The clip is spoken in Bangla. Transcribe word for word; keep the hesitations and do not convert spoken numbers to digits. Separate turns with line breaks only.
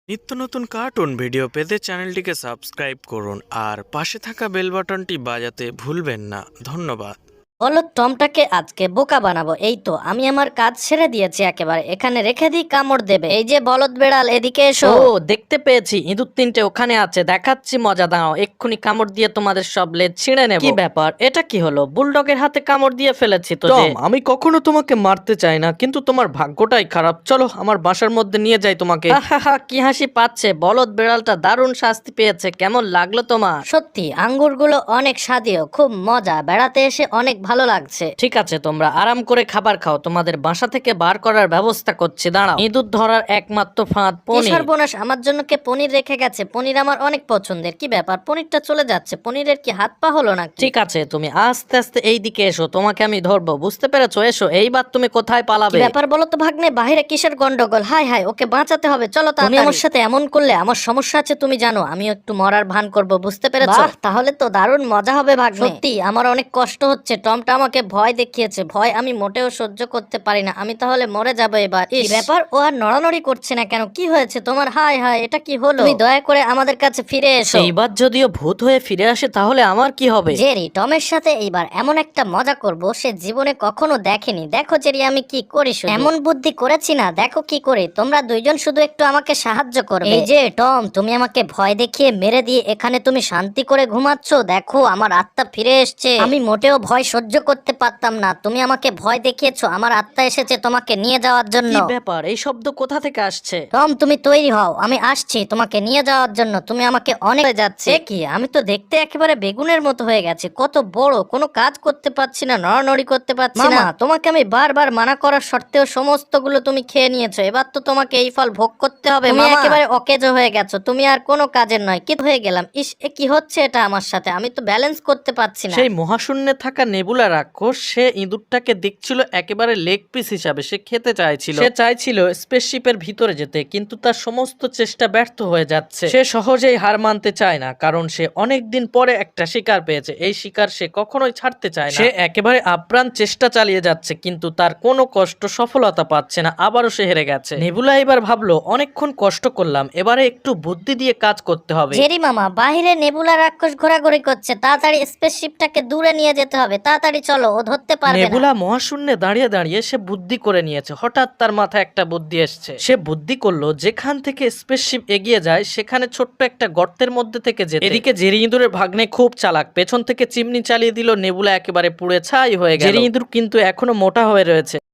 নিত্য নতুন কার্টুন ভিডিও পেতে চ্যানেলটিকে সাবস্ক্রাইব করুন আর পাশে থাকা বেল বাটনটি বাজাতে ভুলবেন না। ধন্যবাদ।
বলো টমটাকে আজকে বোকা বানাবো। এই তো আমি আমার কাজ ছেড়ে দিয়েছি, একেবারে এখানে রেখে দিই, কামড় দেবে। এই যে বলদ বেড়াল, এদিকে এসো।
ও দেখতে পেয়েছি, ইঁদুর তিনটে ওখানে আছে, দেখাচ্ছি মজা। দাও, এক্ষুনি কামড় দিয়ে তোমাদের সব লেজ ছিঁড়ে নেব। কি ব্যাপার, এটা কি হলো? বুলডগের হাতে কামড় দিয়ে ফেলেছি তো।
টম, আমি কখনো তোমাকে মারতে চাই না, কিন্তু তোমার ভাগ্যটাই খারাপ। চলো আমার বাসার মধ্যে নিয়ে যাই তোমাকে।
হা কি হাসি পাচ্ছে। বলদ বেড়ালটা দারুণ শাস্তি পেয়েছে। কেমন লাগলো তোমার?
সত্যি আঙ্গুরগুলো অনেক স্বাদীয়, খুব মজা, বেড়াতে এসে অনেক ভালো লাগছে।
ঠিক আছে, তোমরা আরাম করে খাবার খাও, তোমাদের বাসা থেকে বার করার ব্যবস্থা করছি। দাঁড়াও, ইঁদুর ধরার একমাত্র ফাঁদ
কি
পনির।
সর্বনাশ, আমার জন্য কে পনির রেখে গেছে? পনির আমার অনেক পছন্দের। কি ব্যাপার, পনিরটা চলে যাচ্ছে? পনিরের কি হাত পা হলো না?
ঠিক আছে, তুমি আস্তে আস্তে এই দিকে এসো, তোমাকে আমি ধরবো, বুঝতে পেরেছো? এসো, এইবার তুমি কোথায়
কি
পালাবে?
ব্যাপার বলো তো ভাগ্নে, বাইরে কিসের গন্ডগোল? হাই হাই, ওকে বাঁচাতে হবে, চলো। তুমি আমার সাথে এমন করলে আমার সমস্যা আছে, তুমি জানো। আমিও একটু মরার ভান করব, বুঝতে পেরেছো? তাহলে তো দারুণ মজা হবে ভাগ্নে। সত্যি আমার অনেক কষ্ট হচ্ছে, টমটা আমাকে ভয় দেখিয়েছে। ভয় আমি মোটেও সহ্য করতে পারি না, আমি তাহলে মরে যাবো এবার। কি ব্যাপার, ও আর নড়ানড়ি করছে না কেন? কি হয়েছে তোমার? হাই হাই, এটা কি হলো? তুমি দয়া করে আমাদের কাছে ফিরে এসো।
এইবার যদিও ভূত হয়ে ফিরে আসে তাহলে আমার কি হবে?
জেরি, টমের সাথে এইবার এমন একটা মজা করব সে জীবনে কখনো দেখেনি। দেখো জেরি আমি কি করি, শুধু এমন বুদ্ধি করেছি না, দেখো কি করে। তোমরা দুইজন শুধু একটু আমাকে সাহায্য করবে। এই যে টম, তুমি আমাকে ভয় দেখিয়ে মেরে দিয়ে এখানে তুমি শান্তি করে ঘুমাচ্ছ। দেখো আমার আত্মা ফিরে এসছে। আমি মোটেও ভয় সহ্য করতে পারতাম না, তুমি আমাকে ভয় দেখিয়েছো, আমার আত্মা এসেছে তোমাকে নিয়ে যাওয়ার জন্য।
কি ব্যাপার, এই শব্দ কোথা থেকে আসছে?
টম তুমি তৈরি হও, আমি আসছি তোমাকে নিয়ে যাওয়ার জন্য। তুমি আমাকে অনেক হয়ে যাচ্ছে। এ কি, আমি তো দেখতে একেবারে বেগুনের মতো হয়ে গেছে। কত বড়, কোনো কাজ করতে পারছি না, নড়ানড়ি করতে পারছি না। তোমাকে আমি বারবার মানা করার সত্ত্বেও সমস্তগুলো তুমি খেয়ে নিয়েছো। এবার তো তোমাকে এই ফল ভোগ করতে হবে। তুমি একেবারে অকেজো হয়ে গেছো, তুমি আর কোনো কাজের নয়। কি হয়ে গেলাম? ইস, এ কি হচ্ছে এটা আমার সাথে? আমি তো ব্যালেন্স করতে পারছি না।
সেই মহাশূন্যে থাকা নেবুলা রাক্ষস, সে ইঁদুরটাকে দেখছিল একেবারে লেগ পিস হিসাবে। সে খেতে চাইছিল, সে চাইছিল স্পেসশিপের ভিতরে যেতে, কিন্তু তার সমস্ত চেষ্টা ব্যর্থ হয়ে যাচ্ছে। সে সহজেই হার মানতে চায় না, কারণ সে অনেক দিন পরে একটা শিকার পেয়েছে। এই শিকার সে কখনোই ছাড়তে চায় না। সে একেবারে আপ্রাণ চেষ্টা চালিয়ে যাচ্ছে, কিন্তু তার কোনো কষ্ট সফলতা পাচ্ছে না। আবারও সে হেরে গেছে। নেবুলা এবার ভাবলো, অনেকক্ষণ কষ্ট করলাম, এবারে একটু বুদ্ধি দিয়ে কাজ করতে হবে।
জেরি মামা, বাইরে নেবুলা রাক্ষস ঘোরাঘুরি করছে, তাড়াতাড়ি স্পেসশিপটাকে দূরে নিয়ে যেতে হবে। তাড়াতাড়ি চলো, ও ধরতে পারবে না।
নেবুলা মহাশূন্যে দাঁড়িয়ে দাঁড়িয়ে সে বুদ্ধি করে নিয়েছে। হঠাৎ তার মাথায় একটা বুদ্ধি এসছে। সে বুদ্ধি করলো, যেখান থেকে স্পেসশিপ এগিয়ে যায় সেখানে ছোট্ট একটা গর্তের মধ্যে থেকে যেতে। এদিকে জেরি ইঁদুরের ভাগ্নে খুব চালাক, পেছন থেকে চিমনি চালিয়ে দিল। নেবুলা একেবারে পুড়ে ছাই হয়ে গেল। জেরি ইঁদুর কিন্তু এখনো মোটা হয়ে রয়েছে।